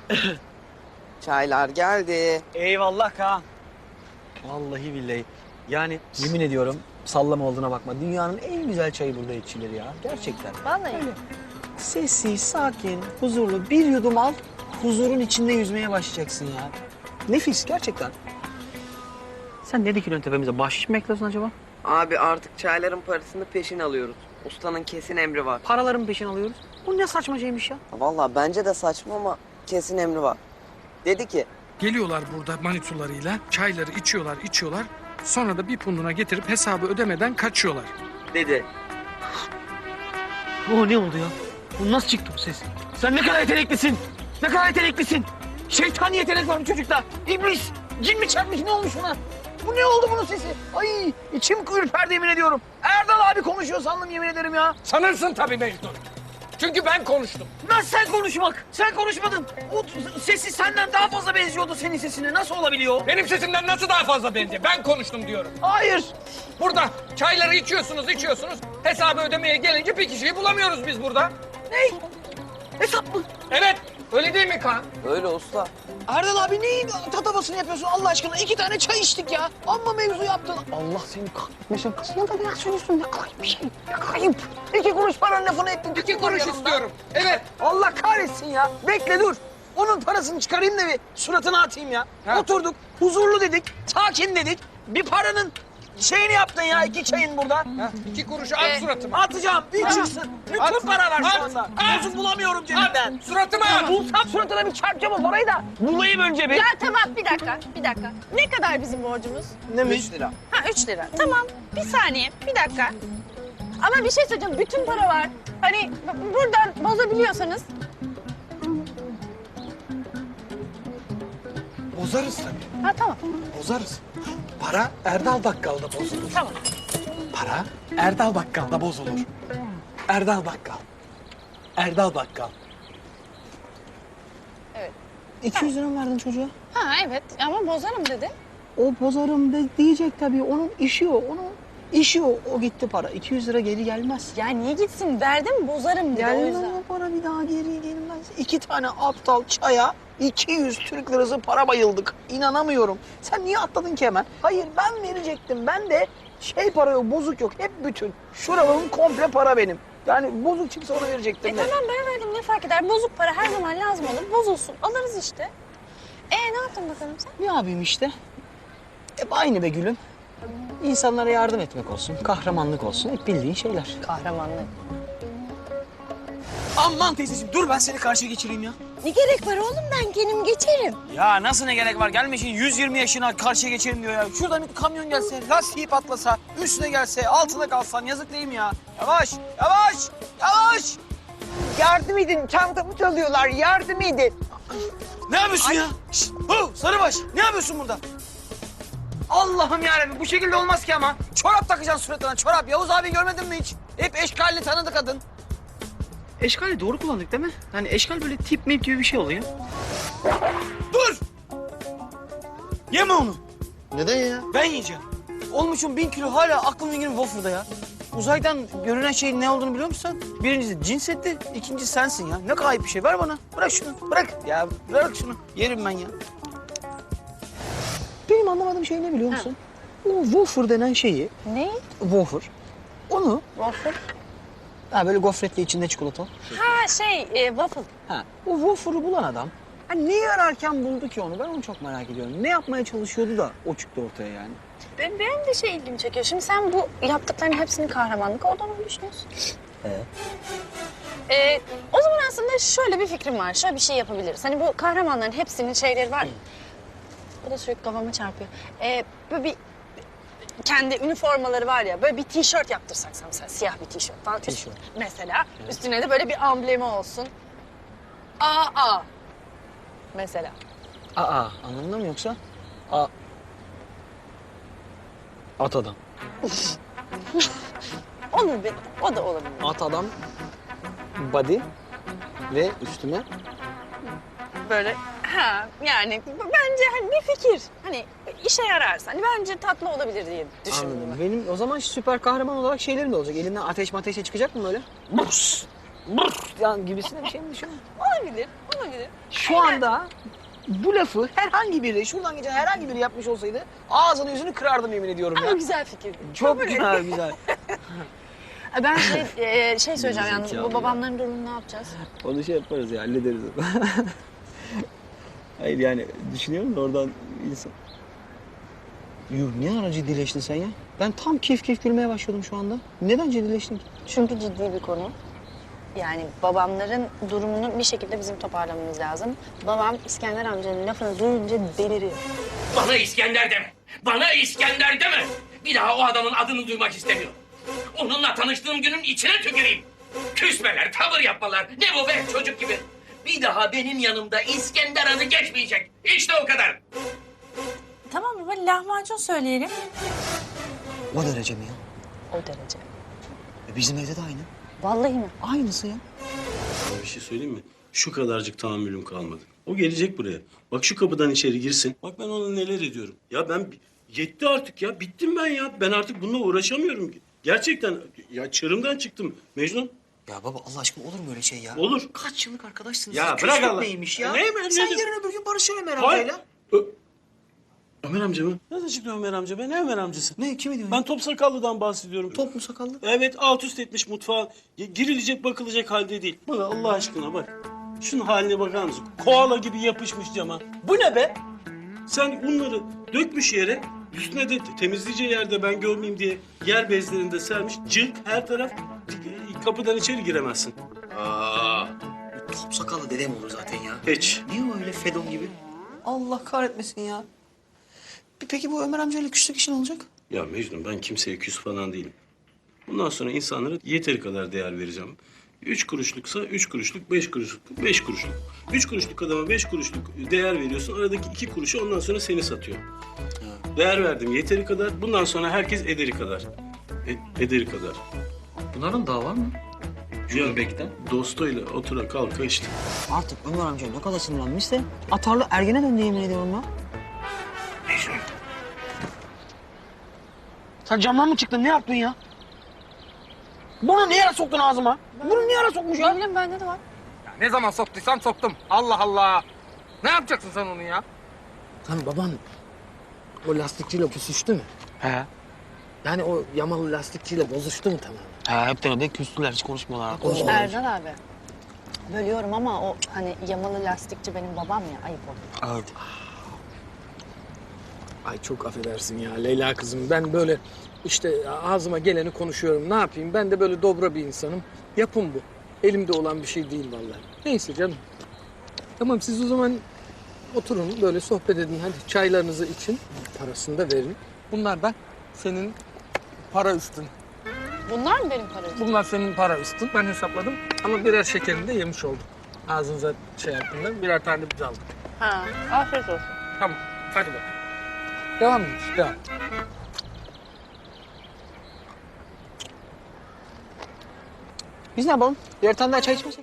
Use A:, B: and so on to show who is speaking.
A: Çaylar geldi.
B: Eyvallah Kaan. Vallahi billahi. Yani yemin ediyorum sallama olduğuna bakma. Dünyanın en güzel çayı burada içilir ya. Gerçekten.
C: Vallahi.
B: Öyle. Sessiz, sakin, huzurlu. Bir yudum al, huzurun içinde yüzmeye başlayacaksın ya. Nefis gerçekten. Sen ne dikiyorsun tepemize? Bahşiş mi bekliyorsun acaba?
A: Abi artık çayların parasını peşin alıyoruz. Ustanın kesin emri var.
B: Paraların peşin alıyoruz. Bu ne saçma şeymiş ya?
A: Vallahi bence de saçma ama kesin emri var. Dedi ki
D: Geliyorlar burada manitularıyla, çayları içiyorlar. Sonra da bir punduna getirip hesabı ödemeden kaçıyorlar.
A: dedi.
B: O ne oldu ya? Bu nasıl çıktı bu ses? Sen ne kadar yeteneklisin? Ne kadar yeteneklisin? Şeytani yetenek var bu çocukta. İblis, cin mi çarpmış ne olmuş buna? Bu ne oldu bunun sesi? Ay içim ürperdi yemin ediyorum. Erdal abi konuşuyor sandım yemin ederim ya.
D: Sanırsın tabii Mecnun. Çünkü ben konuştum.
B: Nasıl sen konuşmak? Sen konuşmadın. O sesi senden daha fazla benziyordu senin sesine. Nasıl olabiliyor?
D: Benim sesimden nasıl daha fazla benziyor? Ben konuştum diyorum.
B: Hayır.
D: Burada çayları içiyorsunuz. Hesabı ödemeye gelince bir kişiyi bulamıyoruz biz burada.
B: Ne? Hesap mı?
D: Evet, öyle değil mi Kaan?
A: Öyle usta.
B: Erdal abi neyin tatavasını yapıyorsun Allah aşkına? 2 tane çay içtik ya. Amma mevzu yaptın. Allah seni kahretmesin. Kızına da ne söylüyorsun? Ne kayıp bir şey. Ne kayıp. 2 kuruş paranın lafını ettin.
D: 2 kuruş
B: yanımda.
D: istiyorum. Evet.
B: Allah kahretsin ya. Bekle dur. Onun parasını çıkarayım da bir suratına atayım ya.
D: Ha.
B: Oturduk, huzurlu dedik, sakin dedik. Bir paranın şeyini yaptın ya 2 çayın burada.
D: Ha, 2 kuruşu at suratıma.
B: Atacağım, bir çıksın. Bütün
D: At.
B: para var şu
D: At.
B: anda.
D: At.
B: Bozuk bulamıyorum cebimden.
D: At, suratıma at.
B: Bulsam suratına bir çarpacağım o parayı da. Bulayım önce bir.
C: Ya tamam bir dakika. Ne kadar bizim borcumuz?
B: Neymiş?
A: 3 lira.
C: Ha 3 lira. Tamam bir saniye bir dakika. Ama bir şey söyleyeceğim bütün para var. Hani buradan bozabiliyorsanız.
D: Bozarız tabii.
C: Ha tamam.
D: Bozarız. Para Erdal Bakkal'da bozulur.
C: Tamam.
D: Para Erdal Bakkal'da bozulur. Erdal Bakkal. Erdal Bakkal.
C: Evet.
B: 200 lira mı verdin çocuğa?
C: Ha evet ama bozarım dedi.
B: O bozarım diyecek tabii. Onun işi o. Onun işi o. O gitti para. 200 lira geri gelmez.
C: Ya niye gitsin verdim bozarım dedi o
B: Gelmez
C: yüzden.
B: o para bir daha geri gelmez. 2 tane aptal çaya 200 Türk lirası para bayıldık. İnanamıyorum. Sen niye atladın ki hemen? Hayır ben verecektim. Ben de para yok, bozuk yok. Hep bütün. Şuraların komple para benim. Yani bozuk çıksa ona verecektim de.
C: Tamam ben verdim ne fark eder? Bozuk para her zaman lazım olur. Bozulsun alırız işte. Ne yaptın bakalım sen?
B: Ne yapayım işte? Hep aynı be gülüm. İnsanlara yardım etmek olsun, kahramanlık olsun. Hep bildiğin şeyler.
C: Kahramanlık.
B: Aman teyzeciğim dur ben seni karşıya geçireyim ya.
C: Ne gerek var oğlum ben kendim geçerim.
B: Ya nasıl ne gerek var? Gelme şimdi 120 yaşına karşıya geçelim diyor ya. Şuradan bir kamyon gelse, lastiği patlasa, üstüne gelse, altına kalsan yazık değil mi ya? Yavaş, yavaş, yavaş.
A: Yardım edin, çantamı çalıyorlar, yardım edin.
B: Ne yapıyorsun ya? Şşt, Sarıbaş, ne yapıyorsun burada? Allah'ım yarabbim bu şekilde olmaz ki ama. Çorap takacaksın suratına, çorap. Yavuz abi görmedin mi hiç? Hep eşkalli tanıdı kadın. Eşkali doğru kullandık değil mi? Yani eşkal böyle tip mip gibi bir şey oluyor. Dur! Yeme onu.
A: Neden ya?
B: Ben yiyeceğim. Olmuşum 1000 kilo hala aklım fingrim wafer'da ya. Uzaydan görünen şeyin ne olduğunu biliyor musun sen? Birincisi cinsetti, ikincisi sensin ya. Ne kayıp bir şey. Ver bana. Bırak şunu. Bırak. Ya bırak şunu. Yerim ben ya. Benim anlamadığım şey ne biliyor musun? O wafer denen şeyi,
C: Ne?
B: wafer, onu
C: Waffle.
B: böyle gofretli içinde çikolata.
C: Ha waffle.
B: Ha, o wafer'ı bulan adam niye ararken buldu ki onu? Ben onu çok merak ediyorum. Ne yapmaya çalışıyordu da o çıktı ortaya yani?
C: Benim de ilgimi çekiyor. Şimdi sen bu yaptıklarının hepsini kahramanlık olduğunu mu düşünüyorsun? O zaman aslında şöyle bir fikrim var. Şöyle bir şey yapabiliriz. Hani bu kahramanların hepsinin şeyleri var. Bu da sürekli kafama çarpıyor. Böyle bir kendi üniformaları var ya. Böyle bir tişört yaptırsak sana mesela. Siyah bir tişört falan.
B: Tişört.
C: Mesela. Üstüne de böyle bir amblemi olsun. AA. Mesela.
B: Aa, anlamında mı yoksa? At adam.
C: O da olabilir.
B: At adam, body ve üstüne.
C: Böyle yani bence hani bir fikir. Hani işe yararsa. Hani bence tatlı olabilir diye düşündüm.
B: Anladım. Benim o zaman süper kahraman olarak şeylerim de olacak. Elinden ateşe çıkacak mı böyle? Burs! Burs! Yani gibisine bir şey mi düşünüyorsun?
C: Olabilir. mı gidip?
B: Şu anda bu lafı herhangi biri, şuradan geçen herhangi biri yapmış olsaydı ağzını yüzünü kırardım yemin ediyorum
C: Ama
B: ya.
C: güzel fikir.
B: Çok güzel, güzel.
C: Ben şey söyleyeceğim yalnız. Bu babamların durumunu ne yapacağız?
E: Onu şey yaparız ya, hallederiz. Hayır yani düşünüyorum da oradan insan... Yuh, ne ara ciddileştin sen ya? Ben tam keyif gülmeye başladım şu anda. Neden ciddileştin ki?
C: Çünkü ciddi bir konu. Yani babamların durumunu bir şekilde bizim toparlamamız lazım. Babam İskender amcanın lafını duyunca deliriyor.
F: Bana İskender deme. Bana İskender deme. Bir daha o adamın adını duymak istemiyorum. Onunla tanıştığım günün içine tüküreyim. Küsmeler, tavır yapmalar. Ne bu be çocuk gibi. Bir daha benim yanımda İskender adı geçmeyecek. İşte o kadar.
G: Tamam baba, lahmacun söyleyelim.
E: O derece mi ya?
C: O derece.
E: Bizim evde de aynı.
C: Vallahi mi?
E: Aynısı ya.
H: Sana bir şey söyleyeyim mi? Şu kadarcık tahammülüm kalmadı. O gelecek buraya. Bak şu kapıdan içeri girsin. Bak ben ona neler ediyorum. Ya ben yetti artık ya. Bittim ben ya. Ben artık bununla uğraşamıyorum. Gerçekten ya çığırımdan çıktım. Mecnun.
E: Ya baba Allah aşkına olur mu öyle şey ya?
H: Olur.
E: Kaç yıllık arkadaşsınız?
H: Ya
E: Küslük
H: bırak Allah.
E: neymiş ya?
H: Ne-
E: Sen
H: ne-
E: yarın öbür gün barışıyorsun Ömer
H: Hayır.
E: amcayla.
H: Ömer amca mı? Nereden çıktı Ömer amca? Ben ne Ömer amcası?
E: Ne, kimi diyorsun?
H: Ben top sakallıdan bahsediyorum.
E: Top mu sakallı?
H: Evet, alt üst etmiş mutfağa. Girilecek bakılacak halde değil. Bak Allah aşkına bak. Şunun haline bakar mısın? Koala gibi yapışmış cama. Bu ne be? Sen unları dökmüş yere, üstüne de temizleyeceği yerde ben görmeyeyim diye yer bezlerinde sermiş. Cılk her taraf. Kapıdan içeri giremezsin. Aa,
E: Top sakallı dedem olur zaten ya.
H: hiç.
E: Niye o öyle Fedon gibi? Allah kahretmesin ya. Peki bu Ömer amcayla küslük işin olacak?
H: Ya Mecnun ben kimseye küs falan değilim. Bundan sonra insanlara yeteri kadar değer vereceğim. 3 kuruşluksa 3 kuruşluk, 5 kuruşluk, 5 kuruşluk. 3 kuruşluk adama 5 kuruşluk değer veriyorsun. Aradaki 2 kuruşu ondan sonra seni satıyor. Değer verdim yeteri kadar. Bundan sonra herkes ederi kadar. Ederi kadar.
E: Bunların dava mı?
H: Göbekten. Dostuyla otura kalka işte.
E: Artık Ömer amca ne kadar sinirlenmişse atarlı ergene döndü yemin ediyorum ya.
B: Sen camdan mı çıktın? Ne yaptın ya? Bunu niye ara soktun ağzıma? Bunu niye ara sokmuş ya?
C: Ne bileyim bende de var.
D: Ne zaman soktuysam soktum. Allah Allah. Ne yapacaksın sen onu ya? Sen baban o lastikçiyle küsüştü mü?
B: He.
D: Yani o yamalı lastikçiyle bozuştu mu tamamen?
B: He, hepten öde küstüler. Hiç konuşmuyorlar.
C: Erdal abi. Bölüyorum ama o hani yamalı lastikçi benim babam ya, ayıp oluyor.
E: Evet.
D: Ay çok affedersin ya Leyla kızım. Ben böyle işte ağzıma geleni konuşuyorum. Ne yapayım? Ben de böyle dobra bir insanım. Yapım bu. Elimde olan bir şey değil vallahi. Neyse canım. Tamam siz o zaman oturun böyle sohbet edin. Hadi çaylarınızı için. Parasını da verin. Bunlar da senin para üstün.
C: Bunlar mı benim param?
D: Bunlar senin para üstün. Ben hesapladım. Ama birer şekerini de yemiş olduk. Ağzınıza şey yaptığında birer tane biz aldık.
C: Ha, afiyet olsun.
D: Tamam. Hadi bak. Devam edin. Devam.
B: Biz ne yapalım? Birer tane daha çay içmesek?